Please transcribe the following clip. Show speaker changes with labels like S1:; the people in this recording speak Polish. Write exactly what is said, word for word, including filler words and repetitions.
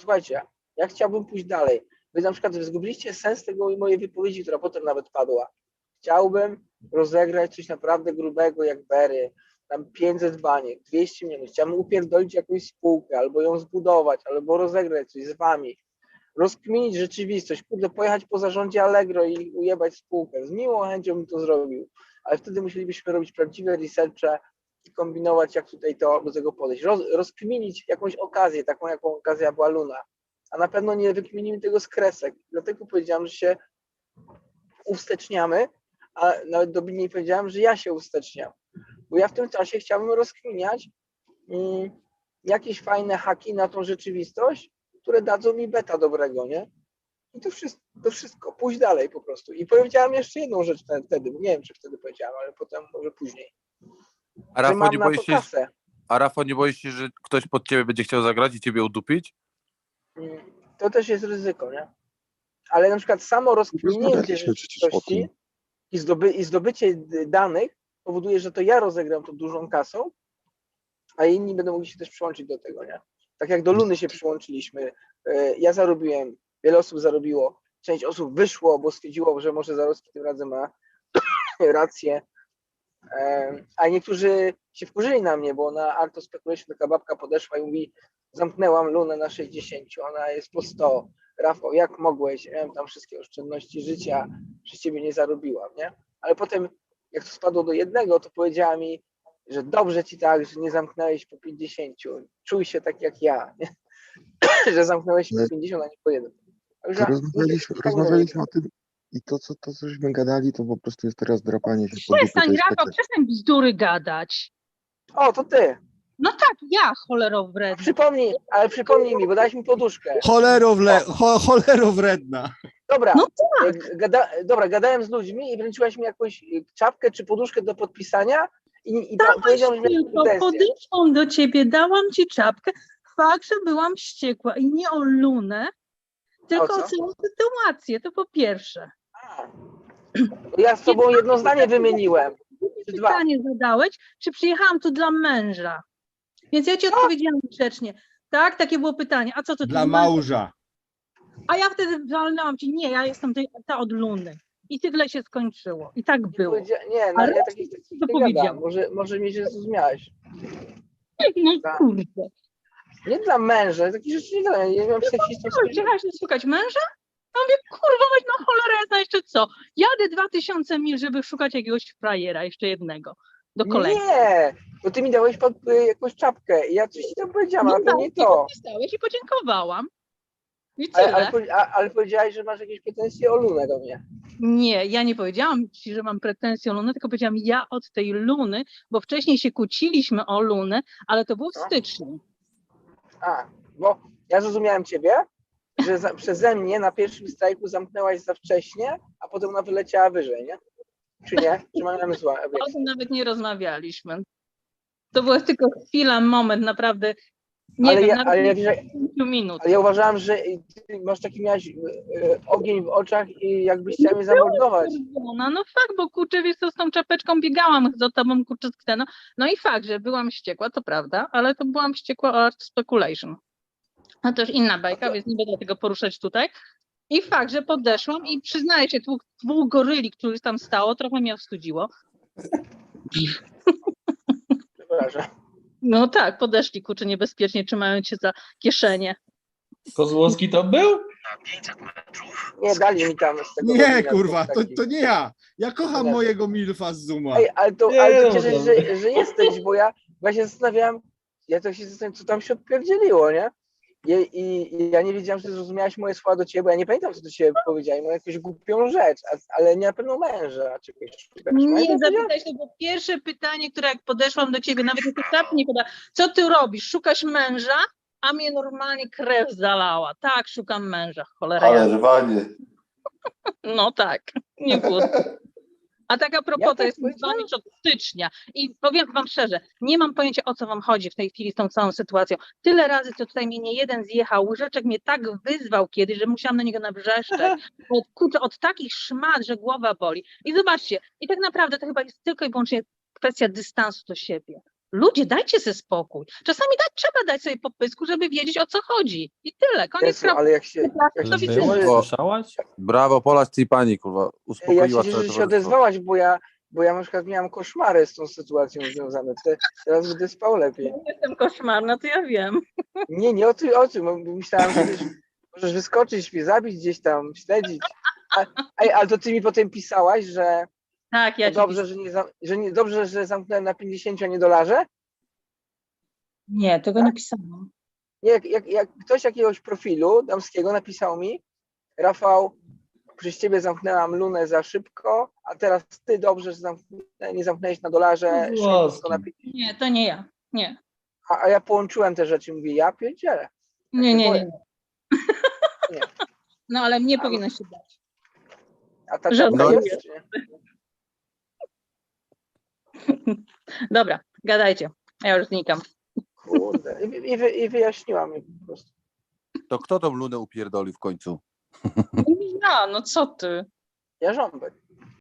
S1: słuchajcie, ja chciałbym pójść dalej. Wy na przykład zgubiliście sens tego mojej wypowiedzi, która potem nawet padła. Chciałbym rozegrać coś naprawdę grubego jak Berry, tam pięćset baniek, dwieście milionów. Chciałbym upierdolić jakąś spółkę, albo ją zbudować, albo rozegrać coś z wami. Rozkminić rzeczywistość, kurde, pojechać po zarządzie Allegro i ujebać spółkę. Z miłą chęcią bym to zrobił, ale wtedy musielibyśmy robić prawdziwe researche i kombinować, jak tutaj to, do tego podejść. Roz, rozkminić jakąś okazję, taką jaką okazja była Luna. A na pewno nie wykminimy tego z kresek. Dlatego powiedziałem, że się uwsteczniamy, a nawet dobitniej powiedziałem, że ja się uwsteczniam. Bo ja w tym czasie chciałbym rozkminiać mm, jakieś fajne haki na tą rzeczywistość, które dadzą mi beta dobrego, nie? I to wszystko, to wszystko, pójść dalej po prostu. I powiedziałem jeszcze jedną rzecz wtedy, nie wiem, czy wtedy powiedziałem, ale potem może później.
S2: A
S1: Że
S2: Rafał,
S1: mam
S2: nie
S1: na
S2: boisz
S1: to
S2: się,
S1: kasę.
S2: a Rafał, nie boisz się, że ktoś pod ciebie będzie chciał zagrać i ciebie udupić?
S1: Mm, To też jest ryzyko, nie? Ale na przykład samo rozkminięcie rzeczywistości i, zdoby, i zdobycie danych powoduje, że to ja rozegram to dużą kasą, a inni będą mogli się też przyłączyć do tego, nie? Tak jak do Luny się przyłączyliśmy. Ja zarobiłem, wiele osób zarobiło, część osób wyszło, bo stwierdziło, że może Zarowski tym razem ma rację, a niektórzy się wkurzyli na mnie, bo na Art of Speculation taka babka podeszła i mówi: zamknęłam Lunę na sześćdziesiąt, ona jest po sto. Rafał, jak mogłeś? Ja miałem tam wszystkie oszczędności życia, przez ciebie nie zarobiłam, nie? Ale potem, jak to spadło do jednego, to powiedziała mi, że dobrze ci tak, że nie zamknąłeś po pięćdziesięciu. Czuj się tak jak ja, nie? Że zamknąłeś po pięćdziesiąt, a nie po jeden.
S3: To rozmawialiśmy, rozmawialiśmy o tym i to co, to, co żeśmy gadali, to po prostu jest teraz drapanie się po dupie.
S4: Przestań, Rafał, przestań bzdury gadać.
S1: O, to ty.
S4: No tak, ja, cholero wredna.
S1: Przypomnij, ale przypomnij mi, bo dałeś mi poduszkę.
S5: Cholero, wle, cho, cholero wredna.
S1: Dobra,
S4: No tak.
S1: gada, dobra, gadałem z ludźmi i wręczyłaś mi jakąś czapkę czy poduszkę do podpisania i, i
S4: Dałeś
S1: powiedziałem, że miałem
S4: tylko,
S1: pretensje.
S4: podeszłam do ciebie, dałam ci czapkę. Fakt, że byłam wściekła i nie o Lunę, tylko
S1: O
S4: o
S1: co?
S4: całą sytuację, to po pierwsze.
S1: A, ja z tobą jedno zdanie wymieniłem. Czy dwa?
S4: Pytanie zadałeś, czy przyjechałam tu dla męża? Więc ja ci odpowiedziałam grzecznie. Tak, takie było pytanie. A co to
S5: Dla
S4: tu
S5: małża.
S4: A ja wtedy walnęłam ci, nie, ja jestem tej- ta od Luny. I tyle się skończyło. I tak
S1: Nie,
S4: było.
S1: powiedzia- nie, no,
S4: Ale
S1: ja takich takich
S4: to
S1: nie
S4: powiedziałam.
S1: gadam. Może, może mnie źle zrozumiałeś.
S4: No
S1: Tak.
S4: kurde.
S1: Nie dla męża, takich rzeczy nie gadam. Ja nie mam seksistów.
S4: Co, przyjechałaś szukać męża? Ja mówię, kurwa, weź no cholera, ja jeszcze co? Jadę dwa tysiące mil, żeby szukać jakiegoś frajera, jeszcze jednego, do kolegi.
S1: Nie, bo ty mi dałeś pod, y, jakąś czapkę i ja coś ci tam powiedziałam, ale to nie
S4: I
S1: to.
S4: podpisałeś i podziękowałam. I tyle.
S1: Ale, ale, powie- a- ale powiedziałeś, że masz jakieś pretensje o Lunę do mnie.
S4: Nie, ja nie powiedziałam ci, że mam pretensje o Lunę, tylko powiedziałam ja od tej Luny, bo wcześniej się kłóciliśmy o Lunę, ale to było w
S1: No.
S4: styczniu.
S1: A, bo ja zrozumiałem ciebie, że za, przeze mnie na pierwszym strajku zamknęłaś za wcześnie, a potem ona wyleciała wyżej, nie? Czy nie? Czy mam złe
S4: O
S1: obiekcje?
S4: tym nawet nie rozmawialiśmy. To była tylko chwila, moment, naprawdę, nie
S1: Ale
S4: wiem,
S1: ja,
S4: nawet
S1: ale, ja,
S4: nie
S1: wiesz,
S4: pięciu minut.
S1: ale ja uważałem, że ty masz taki miałeś y, y, ogień w oczach i jakbyś chciał mnie zamordować.
S4: No, no fakt, bo kurczę, wiesz co, z tą czapeczką biegałam za tobą, kurczę, z kteno. No i fakt, że byłam wściekła, to prawda, ale to byłam wściekła o Art Speculation. No to już inna bajka, więc nie będę tego poruszać tutaj. I fakt, że podeszłam i przyznaję się, dwóch, dwóch goryli, których tam stało, trochę mnie wstydziło.
S1: Przepraszam.
S4: No tak, podeszli, kurczę, niebezpiecznie, trzymając się za kieszenie.
S6: Kozłowski to był?
S1: Nie, dali mi tam z tego.
S5: Nie,
S1: Robina
S5: kurwa,
S1: dwóch
S5: to,
S1: takich.
S5: to nie ja. Ja kocham
S1: Nie.
S5: mojego milfa z Zuma.
S1: Ej, ale to,
S6: Nie,
S1: ale to
S6: no,
S1: cieszę się,
S6: dobra.
S1: że, że jesteś, bo ja właśnie zastanawiałem, ja to się zastanawiam, co tam się odpierdzieliło, nie? I, i, I ja nie wiedziałem, że zrozumiałaś moje słowa do ciebie, bo ja nie pamiętam, co do ciebie powiedziałem, mam jakąś głupią rzecz, a, ale nie na pewno męża. Czy jakoś,
S4: Nie, zapytaj, to było pierwsze pytanie, które jak podeszłam do ciebie, nawet jak czapki nie podała. Co ty robisz? Szukasz męża? A mnie normalnie krew zalała. Tak, szukam męża, cholera.
S7: Ale
S4: jasna.
S7: rwanie.
S4: No tak, nie było. A tak a propos,
S1: Ja
S4: to
S1: tak
S4: jest
S1: powiedziałam.
S4: dzwonić od stycznia. I powiem wam szczerze, nie mam pojęcia, o co wam chodzi w tej chwili z tą całą sytuacją. Tyle razy, co tutaj mnie nie jeden zjechał, łyżeczek mnie tak wyzwał kiedyś, że musiałam na niego nabrzeszczeć. Od, kurczę, od takich szmat, że głowa boli. I zobaczcie, i tak naprawdę to chyba jest tylko i wyłącznie kwestia dystansu do siebie. Ludzie, dajcie sobie spokój. Czasami dać, trzeba dać sobie po pysku, żeby wiedzieć, o co chodzi. I tyle, koniec
S1: Jezu,
S4: sprawy.
S1: ale jak się, jak
S4: To
S1: się
S6: Ale
S4: widzę,
S1: cieszę,
S6: byłaś,
S1: że,
S6: słyszałaś?
S2: Brawo, Pola z tej pani, kurwa.
S1: ja
S2: Uspokoiła
S1: się
S2: całe
S1: cieszę, że się
S2: towarzystwo.
S1: odezwałaś, bo ja, bo ja na przykład miałam koszmary z tą sytuacją związane. Te, teraz będę spał lepiej.
S4: jestem koszmarna, to ja wiem.
S1: Nie, nie o tym, o tym. bo Myślałam, że wiesz, możesz wyskoczyć, mnie zabić gdzieś tam, śledzić. A, a, ale to ty mi potem pisałaś, że
S4: Tak, ja
S1: to
S4: ci
S1: dobrze, że nie, zam- że nie, dobrze, że zamknąłem na pięćdziesięciu, a nie dolarze?
S4: Nie, tego nie pisałam.
S1: Nie, jak, jak, jak ktoś jakiegoś profilu damskiego napisał mi, Rafał, przez ciebie zamknęłam lunę za szybko, a teraz ty dobrze, że zamknę, nie zamknęłeś na dolarze,
S6: Włoski.
S1: szybko na pięćdziesiąt.
S4: Nie, to nie ja. Nie.
S1: A, a ja połączyłem te rzeczy, mówię, ja pierdzielę.
S4: Nie,
S1: się
S4: nie,
S1: boję.
S4: nie.
S1: Nie.
S4: No ale mnie
S1: A-
S4: powinno się dać.
S1: A ta
S4: Żadnego
S1: czapka
S4: nie.
S1: jest, czy nie?
S4: Dobra, gadajcie. Ja już znikam.
S1: Kurde. I, i, wy, I wyjaśniła mi po prostu.
S2: To kto tą lunę upierdolił w końcu?
S4: Ja, no co ty?
S1: Jarząbek.